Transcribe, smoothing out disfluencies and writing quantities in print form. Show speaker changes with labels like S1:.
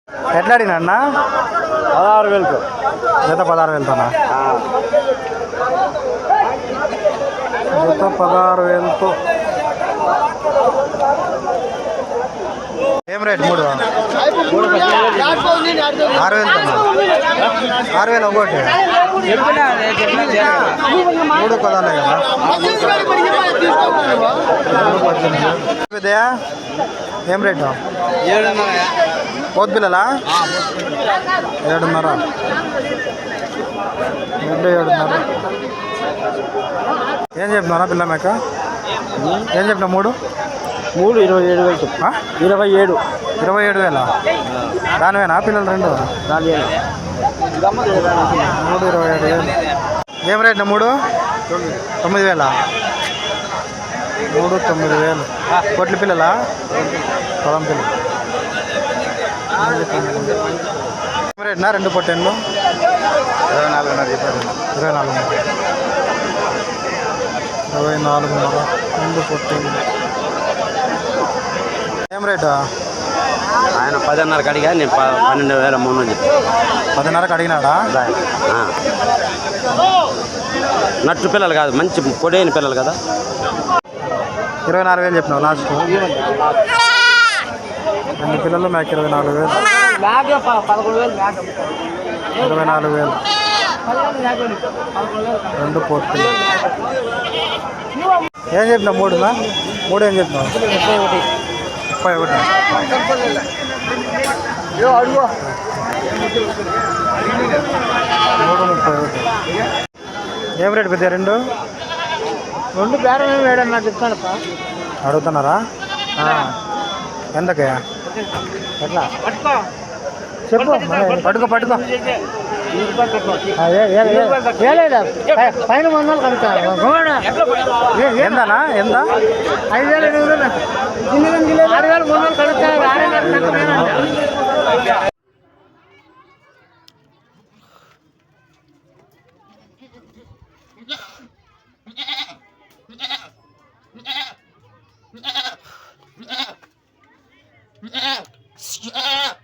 S1: ఎట్లా అడిగినా అన్న?
S2: 16,000తో.
S1: జత 16,000తోనా? జత 16,000తో. ఏం రేట్? 3 6,000తోనా? 6,000 ఒకటి. 3 పదాలే కదా. ఏం రేటు?
S2: 7,500.
S1: పోతు పిల్లలా? 7,500. 7,500. ఏం చెప్పినా పిల్ల మేక? ఏం చెప్పినా? 3
S2: 27,000. 27.
S1: 27,000. దానివేనా పిల్లలు 2? 3 27,000. ఏం రేట్నా? 3 9,000. 3 9,000. కొట్ల పిల్లలా? పొలం పిల్లలు. ఏం రేట్నా? 2 పొట్టెన్లు
S2: 24,500 చెప్పారు.
S1: 24,500. 2 పొట్టెన్లు. ఏం రేటు?
S2: ఆయన 10,500 అడిగా, నేను 12,300 చెప్పాను.
S1: 10,500 అడిగినాడా?
S2: నట్టు పిల్లలు కాదు, మంచి పొడైన పిల్లలు కదా.
S1: 24,000 చెప్పినావు లాస్ట్. 2 పిల్లలు మేక 24,000. 24,000. 2 పోర్ట్. ఏం చెప్పినావు? 3 ఏం చెప్పినావు? 31. 3 31. ఏం రేటు పెద్ద? 2
S2: బేరం వేయడం నాకు చెప్తాను.
S1: అడుగుతున్నారా? ఎంతకే?
S2: ఎట్లా
S1: చెప్పు. పట్టుకో
S2: పైన 100 కలుగుతాను.
S1: ఎంతనా? ఎంత?
S2: 5,800. 6,300 కలుగుతాయి.
S3: Yeah.